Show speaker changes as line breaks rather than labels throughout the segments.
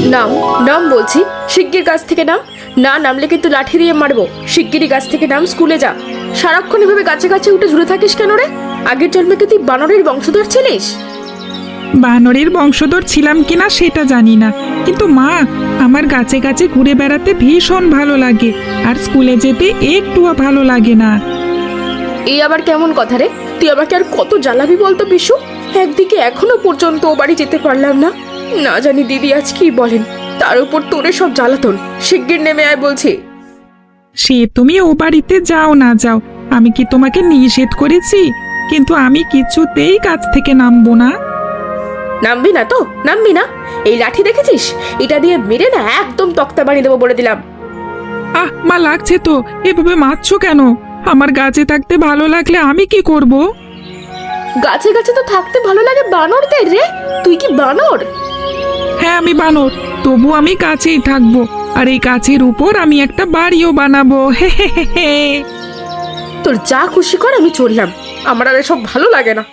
নাম নাম বলছি, শিগগির গাছ থেকে নাম। না নামলে কিন্তু লাঠি দিয়ে মারবো। শিগগিরই গাছ থেকে নাম, স্কুলে যা। সারাক্ষণ এভাবে গাছে গাছে উঠে ঝুলে থাকিস কেন রে? আগের জন্মে কি তুই বানরের বংশধর ছিলিস?
বানরের বংশধর ছিলাম কিনা সেটা জানি না, কিন্তু মা, আমার গাছে গাছে ঘুরে বেড়াতে ভীষণ ভালো লাগে, আর স্কুলে যেতে একটুও ভালো লাগে না।
এই আবার কেমন কথা রে? তুই আমাকে আর কত জ্বালাবি বলতো বিশু? একদিকে এখনো পর্যন্ত ও বাড়ি যেতে পারলাম না। না জানি দিদি আজ কি বলেন। তার উপর তোরে সব জ্বালাতন। শিগগির নেমে আয় বলছি।
সে তুমি ও বাড়িতে যাও না যাও, আমি কি তোমাকে নিষেধ করেছি? কিন্তু আমি কিছুতেই গাছ থেকে নামবো না।
নামবি না তো? নামবি না? এই লাঠি দেখেছিস? এটা দিয়ে মেরে না একদম তক্তা বানিয়ে দেবো বলে দিলাম।
মা, লাগছে তো, এভাবে মারছো কেন? আমার গাছে থাকতে ভালো লাগলে আমি কি করব?
গাছে গাছে তো থাকতে ভালো লাগে বানরদের রে। তুই কি বানর?
হ্যাঁ, আমি বানর, তবু আমি গাছেই থাকবো, আর এই গাছের উপর আমি একটা বাড়িও বানাবো। হে হে হে হে।
তোর যা খুশি কর, আমি চললাম। আমার আর এসব ভালো লাগে না।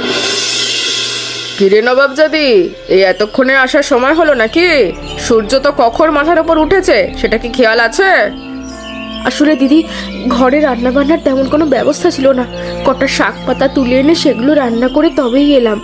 কিরে নবাবজাদি, এই এতক্ষণে আসার সময় হলো নাকি? সূর্য তো কখন মাথার উপর উঠেছে, সেটা কি খেয়াল আছে? আসলে দিদি, ঘরে রান্না বান্নার তেমন কোনো ব্যবস্থা ছিল না। কটা শাক পাতা তুলে এনে সেগুলো রান্না করে তবেই এলাম।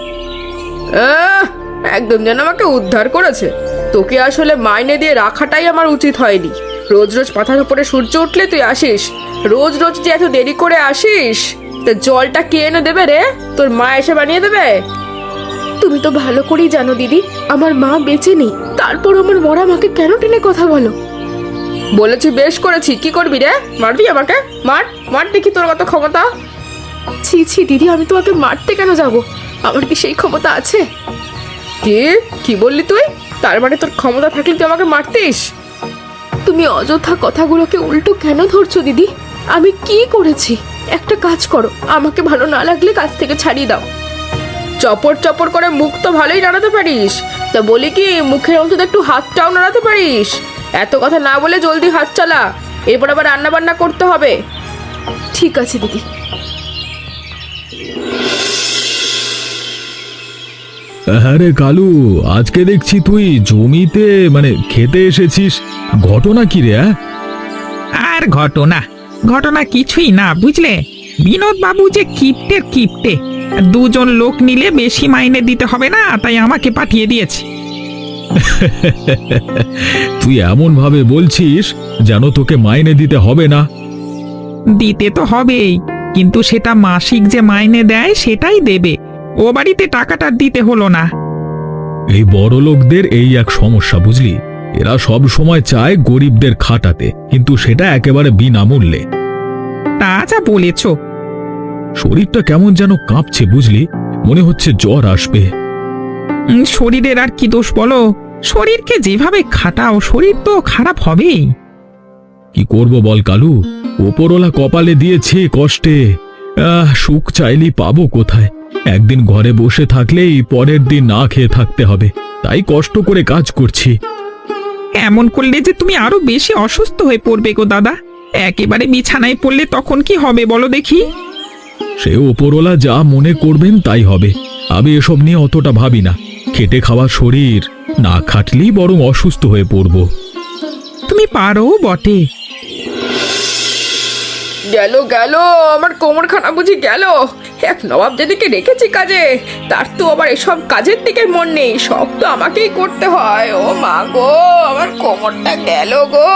একদম যেন আমাকে উদ্ধার করেছে। তোকে আসলে মাইনে দিয়ে রাখাটাই আমার উচিত হয়নি। রোজ রোজ মাথার উপরে সূর্য উঠলে তুই আসিস, রোজ রোজ যে এত দেরি করে আসিস। তা জলটা কে এনে দেবে রে? তোর মা এসে বানিয়ে দেবে? তুমি তো ভালো করেই জানো দিদি, আমার মা বেঁচে নেই। তারপর আমার মরা মাকে কেন টেনে কথা বলো? বলেছি বেশ করেছি। কি করবি রে? মারবি আমাকে? মার মার দেখি তোর কত ক্ষমতা। ছি ছি দিদি, আমি তোমাকে মারতে কেন যাব? আমার কি সেই ক্ষমতা আছে? কি কি বললি তুই? তার মানে তোর ক্ষমতা থাকলে তুই আমাকে মারতিস? তুমি অযথা কথাগুলোকে উল্টো কেন ধরছো দিদি? আমি কি করেছি? একটা কাজ করো, আমাকে ভালো না লাগলে কাজ থেকে ছাড়িয়ে দাও। চপর চপর করে মুখ তো ভালোই নাড়াতে পারিস, তা বলি কি মুখের অন্তত একটু হাতটাও নাড়াতে পারিস? এত কথা না বলে জলদি হাত চালা, এরপর আবার রান্না বান্না করতে হবে। ঠিক আছে দিদি।
হ্যাঁ রে কালু, আজকে দেখছি তুই জমিতে মানে খেতে এসেছিস। ঘটনা কি রে?
আর ঘটনা ঘটনা কিছুই না, বুঝলে? বিনোদ বাবু যে কিপ্টের কিপ্টে, দুজন লোক নিলে বেশি মাইনে দিতে হবে না, তাই আমাকে পাঠিয়ে দিয়েছে।
তুই এমন ভাবে বলছিস যেন তোকে মাইনে দিতে হবে না।
দিতে তো হবেই, কিন্তু সেটা মাসিক যে মাইনে দেয় সেটাই দেবে। ও বাড়িতে টাকাটা দিতে হলো না।
এই বড় লোকদের এই এক সমস্যা, বুঝলি? এরা সব সময় চায় গরিবদের খাটাতে, কিন্তু সেটা একেবারে বিনামূল্যে।
তা যা বলেছ।
শরীরটা কেমন যেন কাঁপছে, বুঝলি? মনে হচ্ছে জ্বর আসবে।
শরীরের আর কি দোষ বলো? শরীরকে যেভাবে খাটাও, শরীর তো খারাপ হবেই।
কি করব বল কালু, ওপরওয়ালা কপালে দিয়েছে কষ্টে। সুখ চাইলেই পাবো কোথায়? একদিন ঘরে বসে থাকলেই পরের দিন না খেয়ে থাকতে হবে, তাই কষ্ট করে কাজ করছি।
এমন করলে যে তুমি আরো বেশি অসুস্থ হয়ে পড়বে গো দাদা। একেবারে বিছানায় পড়লে তখন কি হবে বলো দেখি?
সে ওপরওয়ালা যা মনে করবেন তাই হবে। আমি এসব নিয়ে অতটা ভাবি না। খেটে খাওয়া শরীর, না খাটলেই বরং অসুস্থ হয়ে পড়ব।
তুমি পারো বটে।
গেল গেল, আমার কোমরখানা বুঝি গেল। এক নবাব যেদিকে রেখেছি কাজে, তার তো আবার এসব কাজের দিকে মন নেই। সব তো আমাকেই করতে হয়। ও মা গো, আমার কোমরটা গেল গো।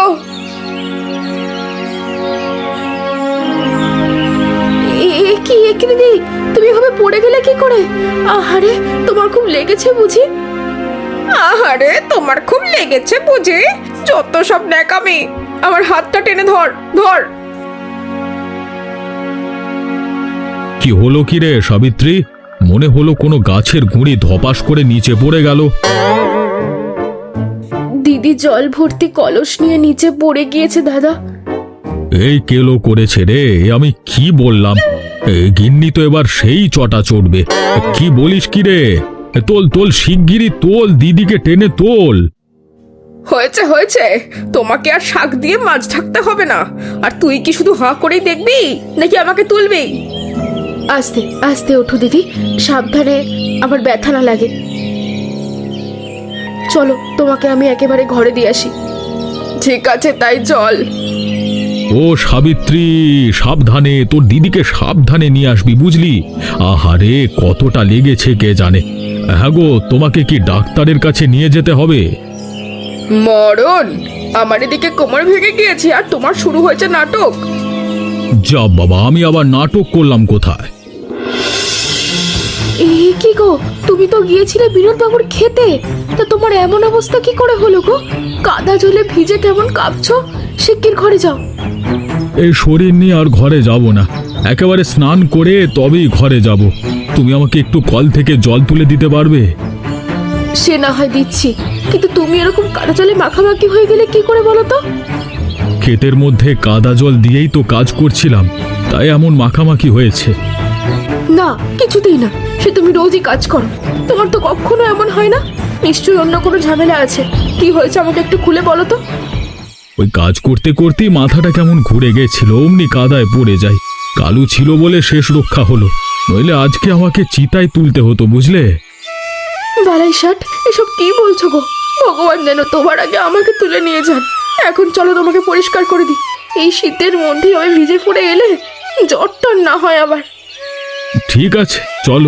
কি দিদি, তুমি এভাবে পড়ে গেলে কি করে? আহারে, তোমার খুব লেগেছে বুঝি? আহারে, তোমার খুব লেগেছে বুঝি? যত সব ন্যাকামি। আমার হাতটা টেনে ধর ধর।
কি হলো কি রে সাবিত্রী? মনে হলো কোনো গাছের গুঁড়ি ধপাস করে নিচে পড়ে গেল।
দিদি জল ভর্তি কলস নিয়ে নিচে পড়ে গিয়েছে দাদা।
এই কেলো করেছে রে, আমি কি বললাম? গিন্নি তো এবার সেই চটা চড়বে। কি বলিস কি রে? তোল তোল, শিগগিরই তোল, দিদিকে টেনে তোল।
হয়েছে হয়েছে, তোমাকে আর শাক দিয়ে মাছ ঢাকতে হবে না। আর তুই কি শুধু হাঁ করেই দেখবি নাকি আমাকে তুলবি? আস্তে আস্তে ওঠো দিদি, সাবধানে, আবার ব্যথা না লাগে। চলো তোমাকে আমি একেবারে ঘরে দিয়ে আসি। ঠিক আছে, তাই চল।
ও সাবিত্রী, সাবধানে, তোর দিদিকে সাবধানে নিয়ে আসবি, বুঝলি? আহারে কতটা লেগেছে কে জানে। হ্যাঁ গো, তোমাকে কি ডাক্তারের কাছে নিয়ে যেতে হবে?
মরণ, আমার এদিকে কোমর ভেঙে গিয়েছে আর তোমার শুরু হয়েছে নাটক।
যা বাবা, আমি আবার নাটক করলাম কোথায়?
কি গো, তুমি তো গিয়েছিলে বিনোদ বাবুর খেতে, তা তোমার এমন অবস্থা কি করে হলো গো? কাদা জলে ভিজে কেমন কাঁপছো, শিগগির ঘরে যাও।
এই শরীর নিয়ে আর ঘরে যাব না, একেবারে স্নান করে তবেই ঘরে যাব। তুমি আমাকে একটু কল থেকে জল তুলে দিতে পারবে?
সে না হয় দিচ্ছি, কিন্তু তুমি এরকম কাদা জলে মাখামাখি হয়ে গেলে কি করে বলো তো?
ক্ষেতের মধ্যে কাদা জল দিয়েই তো কাজ করছিলাম, তাই এমন মাখামাখি হয়েছে।
না, কিছুতেই না, সে তুমি রোজই কাজ করো, তোমার তো কখনো এমন হয় না। নিশ্চয়ই অন্য কোনো ঝামেলা আছে। কি হয়েছে আমাকে একটু খুলে বলো তো।
ওই কাজ করতে করতেই মাথাটা কেমন ঘুরে গেছিল, অমনি কাদায় পড়ে যায়। কালু ছিল বলে শেষ রক্ষা হলো, নইলে আজকে আমাকে চিতায় তুলতে হতো, বুঝলে?
বালাই ষাট, এসব কি বলছো গো? ভগবান যেন তোমার আগে আমাকে তুলে নিয়ে যান। এখন চলো তোমাকে পরিষ্কার করে দিই। এই শীতের মধ্যে ওই ভিজে পড়ে এলে জ্বরটা না হয় আবার।
ঠিক আছে, চলো।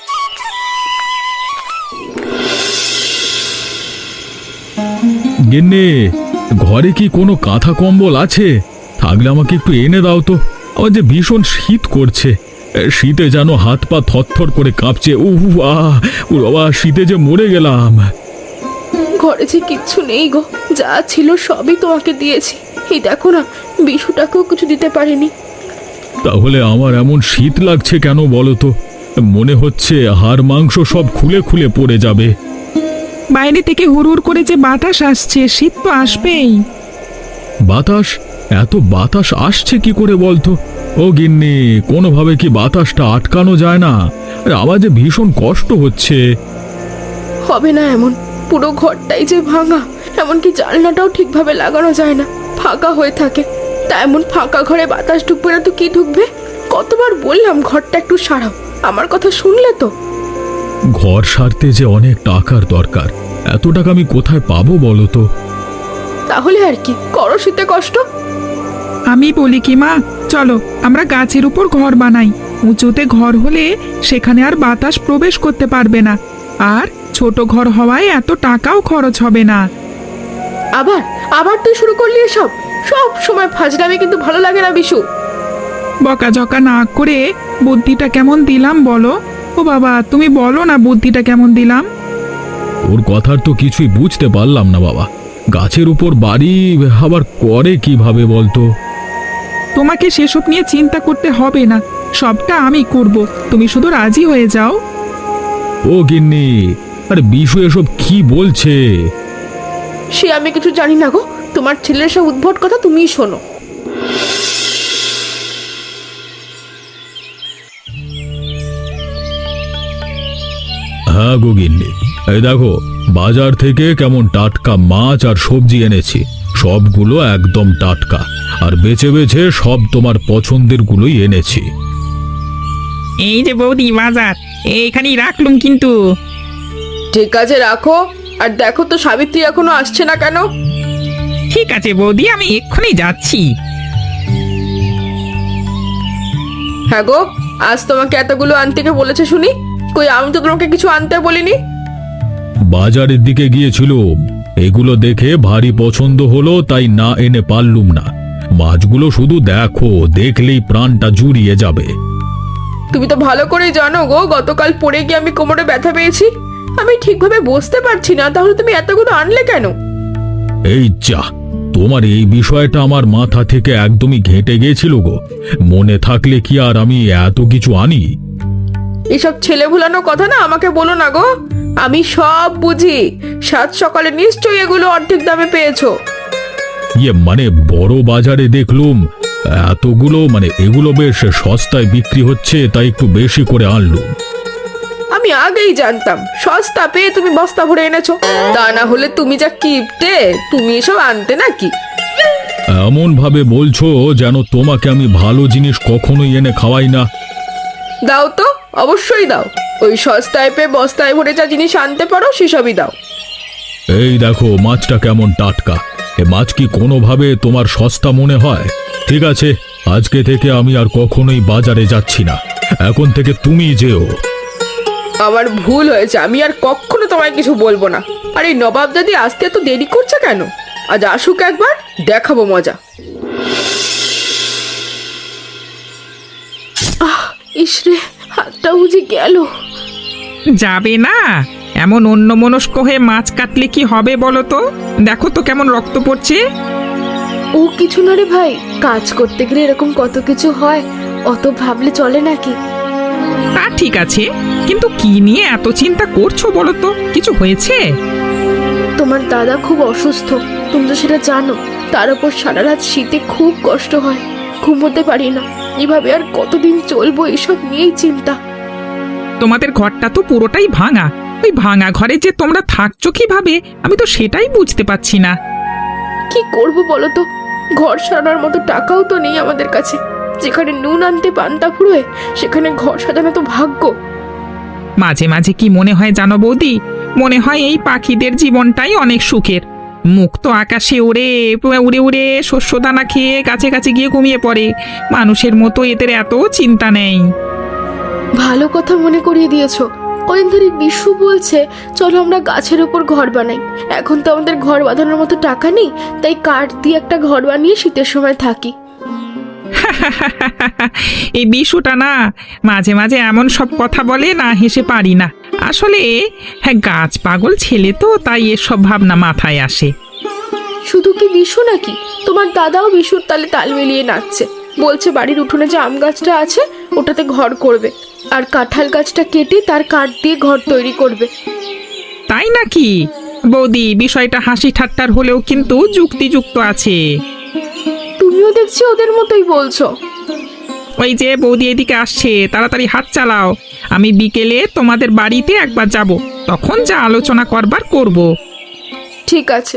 গিন্নি, ঘরে কি কোনো কাঁথা কম্বল আছে? থাকলে আমাকে একটু এনে দাও তো। আমার যে ভীষণ শীত করছে, শীতে যেন হাত পা থরথর করে কাঁপছে। উহ আহ, ও বাবা, শীতে যে মরে গেলাম।
ঘরে যে কিচ্ছু নেই গো, যা ছিল সবই তোমাকে দিয়েছি। এই দেখো না, বিশুটাকেও কিছু দিতে পারিনি।
তাহলে আমার এমন শীত লাগছে কেন বলো তো? মনে হচ্ছে হাড় মাংস সব খুলে খুলে পড়ে যাবে।
বাইরে থেকে হুড় করে যে বাতাস আসছে, শীত তো আসবেই।
বাতাস? এত বাতাস আসছে কি করে বলতো? ও গিন্নি, কোনোভাবে কি বাতাসটা আটকানো যায় না? আরে আমার যে ভীষণ কষ্ট হচ্ছে।
হবে না এমন, পুরো ঘরটাই যে ভাঙা, এমনকি জানলাটাও ঠিকভাবে লাগানো যায় না, ফাঁকা হয়ে থাকে। তা এমন ফাঁকা ঘরে বাতাস ঢুকবে না তো কি ঢুকবে? কতবার বললাম ঘরটা একটু সারাও, আমার কথা শুনলে তো?
ঘর সারতে যে অনেক টাকার দরকার, এত টাকা আমি কোথায় পাবো বলো তো?
তাহলে আর কি করো, শীতে কষ্ট।
আমি বলি কি মা, চলো আমরা গাছের উপর ঘর বানাই। উঁচুতে ঘর হলে সেখানে আর বাতাস প্রবেশ করতে পারবে না, আর ছোট ঘর হওয়ায় এত টাকাও খরচ হবে না।
আবার আবার তুই শুরু করলি এসব? সব সময় ফাজলামি কিন্তু ভালো লাগে না বিশু।
বকাঝকা না করে বুদ্ধিটা কেমন দিলাম বলো? ও বাবা, তুমি বলো না বুদ্ধিটা কেমন দিলাম।
ওর কথার তো কিছুই বুঝতে পারলাম না বাবা। গাছের উপর বাড়ি আবার করে কিভাবে বলতো?
তোমাকে সেসব নিয়ে চিন্তা করতে হবে না, সবটা আমি করব, তুমি শুধু রাজি হয়ে যাও।
ও গিন্নি, আরে বিশু এসব কি বলছে?
সে আমি কিছু জানি না গো, তোমার ছেলের সব উদ্ভট কথা তুমিই শোনো।
হ্যাঁ গো গিন্নি, এই দেখো বাজার থেকে কেমন টাটকা মাছ আর সবজি এনেছি। সবগুলো একদম টাটকা, আর বেছে বেছে সব তোমার পছন্দের গুলোই এনেছি।
এই যে বৌদি বাজার, এইখানেই রাখলুম কিন্তু।
ঠিক আছে রাখো, আর দেখো তো সাবিত্রী এখনো আসছে না কেন?
ঠিক আছে বৌদি, আমি এক্ষুনি যাচ্ছি।
হ্যাঁ গো, আজ তোমাকে এতগুলো আনতে কে বলেছে শুনি? কই, আমি তো তোমাকে কিছু আনতে বলিনি।
বাজারের দিকে গিয়েছিলুম, এগুলো দেখে ভারী পছন্দ হলো, তাই না এনে পারলুম না। মাছগুলো শুধু দেখো, দেখলেই প্রাণটা জুড়িয়ে যাবে।
তুমি তো ভালো করেই জানো গো, গতকাল পড়ে গিয়ে আমি কোমরে ব্যথা পেয়েছি। আমি ঠিকভাবে বসতে পারছি না, তাহলে তুমি এতগুলো আনলে কেন?
এই যা, তোমার এই বিষয়টা আমার মাথা থেকে একদমই ঘেঁটে গিয়েছিল গো। মনে থাকলে কি আর আমি এত কিছু আনি?
এসব ছেলে ভুলানো কথা না আমাকে বলো না গো, আমি সব বুঝি। সাত সকালে নিশ্চয়ই এগুলো অর্ধেক দামে পেয়েছো।
মানে বড় বাজারে দেখলুম এতগুলো, এগুলো বেশ সস্তায় বিক্রি হচ্ছে, তাই একটু বেশি করে আনলুম।
আমি আগেই জানতাম সস্তা পেয়ে তুমি বস্তা ভরে এনেছো, তা না হলে তুমি যা কিপটে, তুমি এসব আনতে নাকি?
এমন ভাবে বলছো যেন তোমাকে আমি ভালো জিনিস কখনোই এনে খাওয়াই না।
দাও তো, অবশ্যই দাও। ওই সস্তায় পেয়ে বস্তায় ভরে যা জিনিস আনতে পারো সেসবই দাও।
এই দেখো মাছটা কেমন টাটকা। এ মাছ কি কোনোভাবে তোমার সস্তা মনে হয়? ঠিক আছে, আজকে থেকে আমি আর কখনোই বাজারে যাচ্ছি না। এখন থেকে তুমি যেও।
আমার ভুল হয়েছে, আমি আর কখনো তোমায় কিছু বলবো না। আর এই নবাব দাদি আসতে এত দেরি করছে কেন? আজ আসুক একবার, দেখাবো মজা। ইসরে, হাতটা বুঝে গেল।
যাবে না? এমন অন্যমনস্ক হয়ে মাছ কাটলে কি হবে বলো তো? দেখো তো কেমন রক্ত পড়ছে।
ও কিছু না রে ভাই, কাজ করতে গেলে এরকম কত কিছু হয়, অত ভাবলে চলে নাকি?
তা ঠিক আছে, কিন্তু কি নিয়ে এত চিন্তা করছো বলো তো? কিছু হয়েছে?
তোমার দাদা খুব অসুস্থ, তুমি তো সেটা জানো। তার উপর সারা রাত শীতে খুব কষ্ট হয়, ঘুমোতে পারি না। এভাবে আর কতদিন চলবো, এসব নিয়েই চিন্তা।
তোমাদের ঘরটা তো পুরোটাই ভাঙা। ওই ভাঙা ঘরে যে তোমরা থাকছো কিভাবে, আমি তো সেটাই বুঝতে পারছি না।
কি করব বলো তো? ঘর সারানোর মতো টাকাও তো নেই আমাদের কাছে। যেখানে নুন আনতে পান্তা ফুরোয়, সেখানে ঘর সাজানো তো ভাগ্য।
মাঝে মাঝে কি মনে হয় জানো বৌদি, মনে হয় এই পাখিদের জীবনটাই অনেক সুখের। মুক্ত আকাশে উড়ে উড়ে উড়ে শস্য দানা খেয়ে গাছে গাছে গিয়ে ঘুমিয়ে পড়ে। মানুষের মতো এদের এত চিন্তা নেই।
ভালো কথা মনে করিয়ে দিয়েছো। কদিন ধরে বিশু বলছে চলো আমরা গাছের উপর ঘর বানাই। এখন তো আমাদের ঘর বাঁধানোর মতো টাকা নেই, তাই কাঠ দিয়ে একটা ঘর বানিয়ে শীতের সময় থাকি।
এই বিশুটা না মাঝে মাঝে এমন সব কথা বলে, না হেসে পারি না। আসলে হ্যাঁ, গাছ পাগল ছেলে তো, তাই এসব ভাবনা মাথায় আসে।
শুধু কি বিশু নাকি, তোমার দাদাও বিশুর তালে তাল মিলিয়ে নাচছে। বলছে বাড়ির উঠোনে যে আম গাছটা আছে ওটাতে ঘর করবে, আর কাঁঠাল গাছটা কেটে তার কাঠ দিয়ে ঘর তৈরি করবে।
তাই নাকি? বৌদি, বিষয়টা হাসি ঠাট্টার হলেও কিন্তু যুক্তিযুক্ত আছে।
তুমিও দেখছি ওদের মতোই বলছো।
ওই যে বৌদি এদিকে আসছে, তাড়াতাড়ি হাত চালাও। আমি বিকেলে তোমাদের বাড়িতে একবার যাব, তখন যা আলোচনা করবার করব।
ঠিক আছে।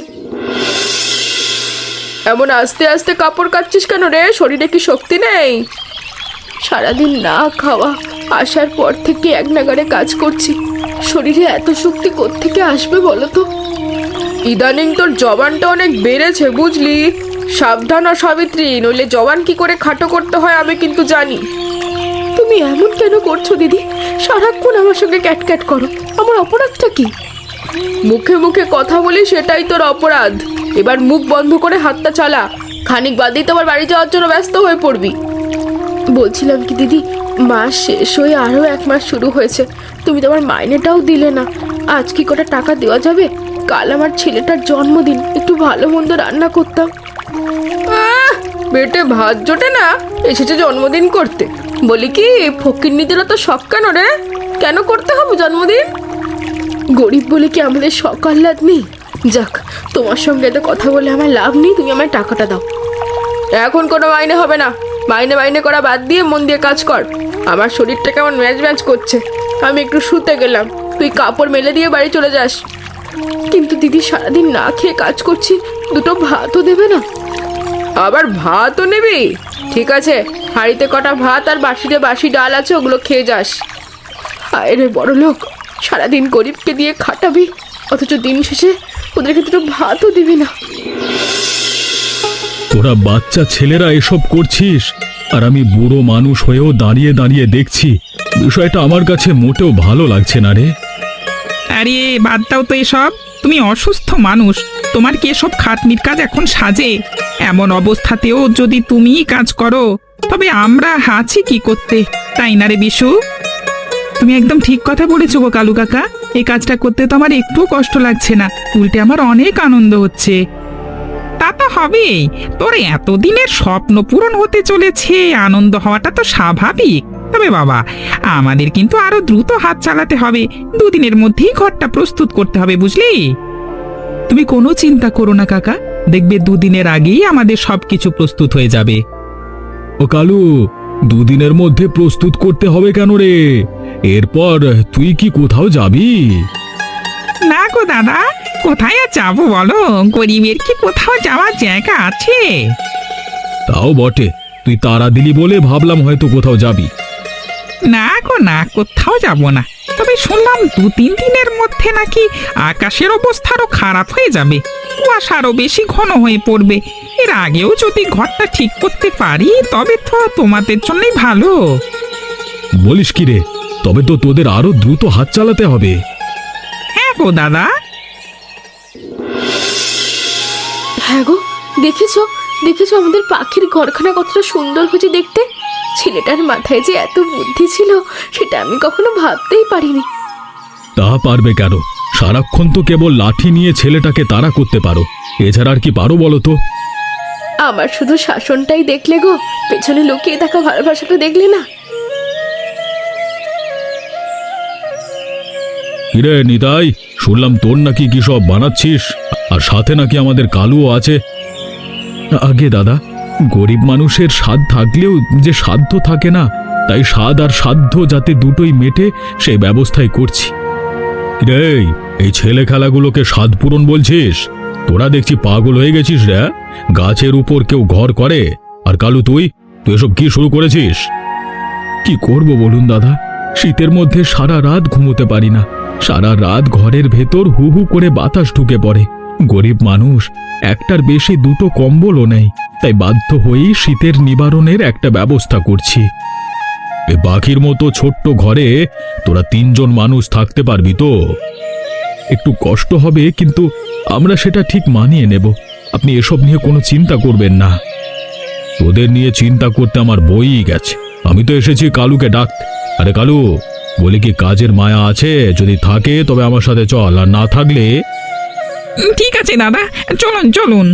এমন আস্তে আস্তে কাপড় কাচ্ছিস কেন রে? শরীরে কি শক্তি নেই?
সারাদিন না খাওয়া, আসার পর থেকে এক নাগাড়ে কাজ করছি। শরীরে এত শক্তি কোত্থেকে আসবে বলো তো?
ইদানিং তোর জবানটা অনেক বেড়েছে বুঝলি। সাবধান ও সাবিত্রী, নইলে জবান কি করে খাটো করতে হয় আমি কিন্তু জানি।
তুমি এমন কেন করছো দিদি? সারাক্ষণ আমার সঙ্গে ক্যাটক্যাট করো, আমার অপরাধটা কি?
মুখে মুখে কথা বলি সেটাই তোর অপরাধ। এবার মুখ বন্ধ করে হাতটা চালা, খানিক বাদেই তো আবার বাড়ি যাওয়ার জন্য ব্যস্ত হয়ে পড়বি।
বলছিলাম কি দিদি, মাস শেষ হয়ে আরও 1 মাস শুরু হয়েছে, তুমি তো আমার মাইনেটাও দিলে না। আজ কি কটা টাকা দেওয়া যাবে? কাল আমার ছেলেটার জন্মদিন, একটু ভালো মন্দ রান্না করতাম।
পেটে ভাত জোটে না, এসেছে জন্মদিন করতে। বলি কি, ফকিন্নিদের তো শখ কেন রে? কেন করতে হবে জন্মদিন?
গরিব বলে কি আমাদের শখ আহ্লাদ নেই? যাক, তোমার সঙ্গে এত কথা বলে আমার লাভ নেই, তুমি আমার টাকাটা দাও।
এখন কোনো মাইনে হবে না। মাইনে মাইনে করা বাদ দিয়ে মন দিয়ে কাজ কর। আমার শরীরটা কেমন ম্যাচ ম্যাচ করছে, আমি একটু শুতে গেলাম। তুই কাপড় মেলে দিয়ে বাড়ি চলে যাস।
কিন্তু দিদি, সারাদিন না খেয়ে কাজ করছি, দুটো ভাতও দেবে না?
আবার ভাতও নিবি? ঠিক আছে, হাঁড়িতে কটা ভাত আর বাসিতে বাসি ডাল আছে, ওগুলো খেয়ে যাস।
হায় রে বড় লোক, সারাদিন গরিবকে দিয়ে খাটাবি, অথচ দিন শেষে ওদেরকে দুটো ভাতও দিবি না।
তোরা বাচ্চা ছেলেরা এসব করছিস, আর আমি বুড়ো মানুষ হয়েও দাঁড়িয়ে দাঁড়িয়ে দেখছি। বিষয়টা আমার কাছে মোটেও ভালো লাগছে না রে।
আরে বাদ দাও তো এসব, তুমি অসুস্থ মানুষ, তোমার কি এসব খাটনির কাজ এখন সাজে? এমন অবস্থাতেও যদি তুমিই কাজ করো, তবে আমরা আছি কি করতে, তাই না রে বিশু? তুমি একদম ঠিক কথা বলেছো গো কালু কাকা। এই কাজটা করতে তো আমার একটুও কষ্ট লাগছে না, উল্টে আমার অনেক আনন্দ হচ্ছে। তা তো হবেই, তোর এতদিনের স্বপ্ন পূরণ হতে চলেছে, আনন্দ হওয়াটা তো স্বাভাবিক। তবে বাবা, আমাদের কিন্তু আরো দ্রুত হাত চালাতে হবে। 2 দিনের মধ্যেই ঘরটা প্রস্তুত করতে হবে, বুঝলি? তুমি কোনো চিন্তা করো না কাকা, দেখবে 2 দিনের আগেই আমাদের সবকিছু প্রস্তুত হয়ে যাবে।
ও কালু, 2 দিনের মধ্যে প্রস্তুত করতে হবে কেন রে? এরপর তুই কি কোথাও যাবি?
না গো দাদা, কোথায় আর যাবো বলো? গরিবের কি কোথাও যাওয়ার জায়গা আছে?
তাও বটে, তুই তাড়া দিলি বলে ভাবলাম হয়তো কোথাও যাবি।
না গো না, কোথাও যাব না। তবে শুনলাম 2-3 দিনের মধ্যে নাকি আকাশের অবস্থা আরো খারাপ হয়ে যাবে, কুয়াশা আরো বেশি ঘন হয়ে পড়বে। এর আগেও যদি ঘরটা ঠিক করতে পারি তবে তো তোমাদের জন্যই ভালো।
বলিস কি রে? তবে তো তোদের আরো দ্রুত হাত চালাতে হবে।
হ্যাঁ গো দাদা।
হ্যাঁ গো, দেখেছো দেখেছো আমাদের পাখির ঘরখানা কতটা সুন্দর হয়েছে দেখতে। ছেলেটার মাথায় যে এত বুদ্ধি ছিল সেটা আমি কখনো ভাবতেই পারিনি।
তা পারবে কেন? সারাক্ষণ তো কেবল লাঠি নিয়ে ছেলেটাকে তাড়া করতে পারো, এছাড়া আর কি পারো বলো তো?
আমার শুধু শাসনটাই দেখলে গো, পেছনে লুকিয়ে থাকা ভালোবাসাটা দেখলে না।
কিরে নিতাই, শুনলাম তোর নাকি কি সব বানাচ্ছিস, আর সাথে নাকি আমাদের কালুও আছে। আগে দাদা, গরিব মানুষের স্বাদ থাকলেও যে সাধ্য থাকে না, তাই স্বাদ আর সাধ্য যাতে দুটোই মেটে সেই ব্যবস্থাই করছি। রে, এই ছেলে খেলাগুলোকে স্বাদ পূরণ বলছিস? তোরা দেখছি পাগল হয়ে গেছিস রে। গাছের উপর কেউ ঘর করে, আর কালু তুই এসব কি শুরু করেছিস? কি করব বলুন দাদা, শীতের মধ্যে সারা রাত ঘুমোতে পারি না। সারা রাত ঘরের ভেতর হু হু করে বাতাস ঢুকে পড়ে। গরিব মানুষ, একটার বেশি দুটো কম্বলও নেই, তাই বাধ্য হয়েই শীতের নিবারণের একটা ব্যবস্থা করছি। এ পাখির মতো ছোট্ট ঘরে তোরা 3 জন মানুষ থাকতে পারবি তো? একটু কষ্ট হবে, কিন্তু আমরা সেটা ঠিক মানিয়ে নেব। আপনি এসব নিয়ে কোনো চিন্তা করবেন না। তোদের নিয়ে চিন্তা করতে আমার বইই গেছে। আমি তো এসেছি কালুকে ডাকতে। আরে কালু, বলি কি কাজের মায়া আছে? যদি থাকে তবে আমার সাথে চল, আর না থাকলে
ঠিক আছে দাদা, চলুন চলুন।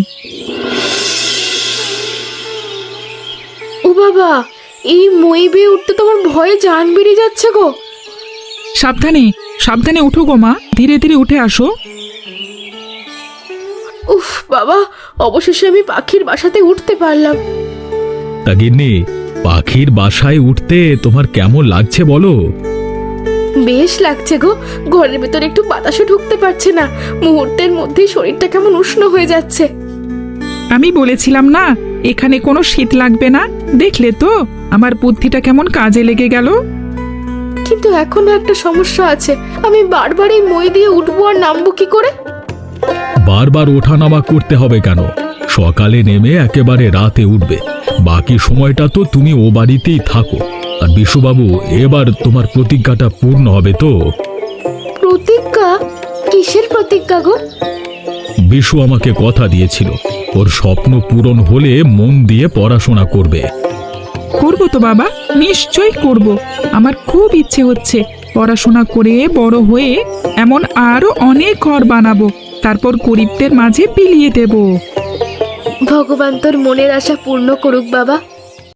ও বাবা, এই মই বেয়ে উঠতে তোমার ভয়ে জান বেরিয়ে যাচ্ছে গো।
সাবধানে সাবধানে উঠো গো মা, ধীরে ধীরে উঠে আসো।
উফ বাবা, অবশেষে আমি পাখির বাসাতে উঠতে পারলাম।
তা গিন্নি, পাখির বাসায় উঠতে তোমার কেমন লাগছে বলো?
বেশ লাগছে গো, ঘরের ভেতর একটু বাতাসও ঢুকতে পারছে না। মুহূর্তের মধ্যেই শরীরটা কেমন উষ্ণ হয়ে যাচ্ছে।
আমি বলেছিলাম না এখানে কোনো শীত লাগবে না, দেখলে তো আমার বুদ্ধিটা কেমন কাজে লেগে গেল।
কিন্তু এখনো একটা সমস্যা আছে, আমি বারবার এই মই দিয়ে উঠবো আর নামবো কি করে?
বারবার ওঠানামা করতে হবে কেন? সকালে নেমে একেবারে রাতে উঠবে। বাকি সময়টা তো তুমি ও বাড়িতেই থাকো। আর বিশুবাবু, এবার তোমার প্রতিজ্ঞাটা পূর্ণ হবে তো?
প্রতিজ্ঞা? কিসের প্রতিজ্ঞা গো?
বিশু আমাকে কথা দিয়েছিল, ওর স্বপ্ন পূরণ হলে মন দিয়ে পড়াশোনা করবে।
করবো তো বাবা, নিশ্চয়ই করব। আমার খুব ইচ্ছে হচ্ছে পড়াশোনা করে বড় হয়ে এমন আরো অনেক ঘর বানাবো, তারপর গরিবদের মাঝে বিলিয়ে দেব।
ভগবান তোর মনের আশা পূর্ণ করুক বাবা।